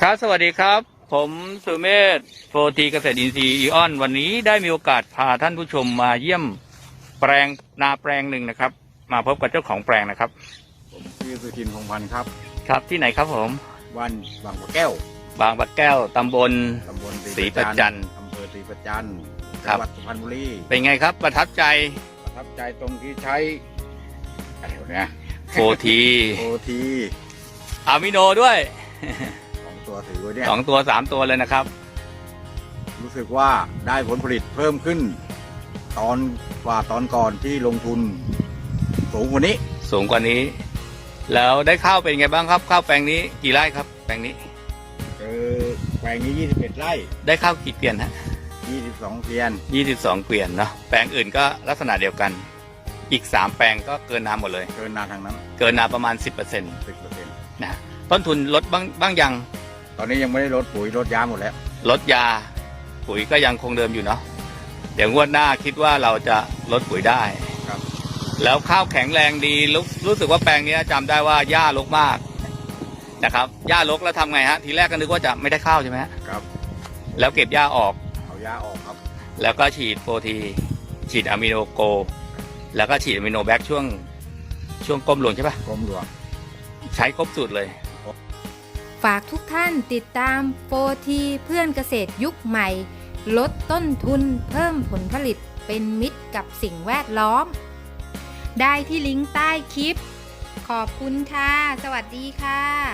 ครับสวัสดีครับผมสุเมธโฟทีเกษตรอินทรีย์อีออนวันนี้ได้มีโอกาสพาท่านผู้ชมมาเยี่ยมแปลงนาแปลงหนึ่งนะครับมาพบกับเจ้าของแปลงนะครับผมชื่อสุทินพงษ์พันธ์ครับครับที่ไหนครับผมวันบางปะแก้วบางปะแก้วตำบลศรีประจันอำเภอศรีประจันจังหวัดสุพรรณบุรีเป็นไงครับประทับใจตรงที่ใช้อะไรเนี่ยโฟที อะมิโนด้วย 2 ตัวถือไว้เนี่ย 2 ตัว 3 ตัวเลยนะครับรู้สึกว่าได้ผลผลิตเพิ่มขึ้นตอนก่อนที่ลงทุนสูงกว่านี้แล้วได้ข้าวเป็นไงบ้างครับข้าวแปลงนี้กี่ไร่ครับแปลงนี้แปลงนี้21 ไร่ได้ข้าวกี่เกวียนฮะ 22 เกวียน 22 เกวียนเนาะแปลงอื่นก็ลักษณะเดียวกันอีก3 แปลงก็เกินนาหมดเลยเกินนาทางนั้นเกินนาประมาณ 10% นะต้นทุนลดบ้างยังตอนนี้ยังไม่ได้ลดปุ๋ยลดยาหมดแล้วลดยาปุ๋ยก็ยังคงเดิมอยู่เนาะเดี๋ยวงวดหน้าคิดว่าเราจะลดปุ๋ยได้ครับแล้วข้าวแข็งแรงดีรู้สึกว่าแปลงนี้จำได้ว่าหญ้ารกมากนะครับหญ้ารกแล้วทำไงฮะทีแรกก็นึกว่าจะไม่ได้ข้าวใช่ไหมครับแล้วเก็บหญ้าออกเอาหญ้าออกครับแล้วก็ฉีดโฟทีฉีดอะมิโนโกแล้วก็ฉีดอะมิโนแบคช่วงก้มหลวงใช่ปะก้มหลวงใช้ครบสูตรเลยฝากทุกท่านติดตามโฟทีเพื่อนเกษตรยุคใหม่ลดต้นทุนเพิ่มผลผลิตเป็นมิตรกับสิ่งแวดล้อมได้ที่ลิงก์ใต้คลิปขอบคุณค่ะสวัสดีค่ะ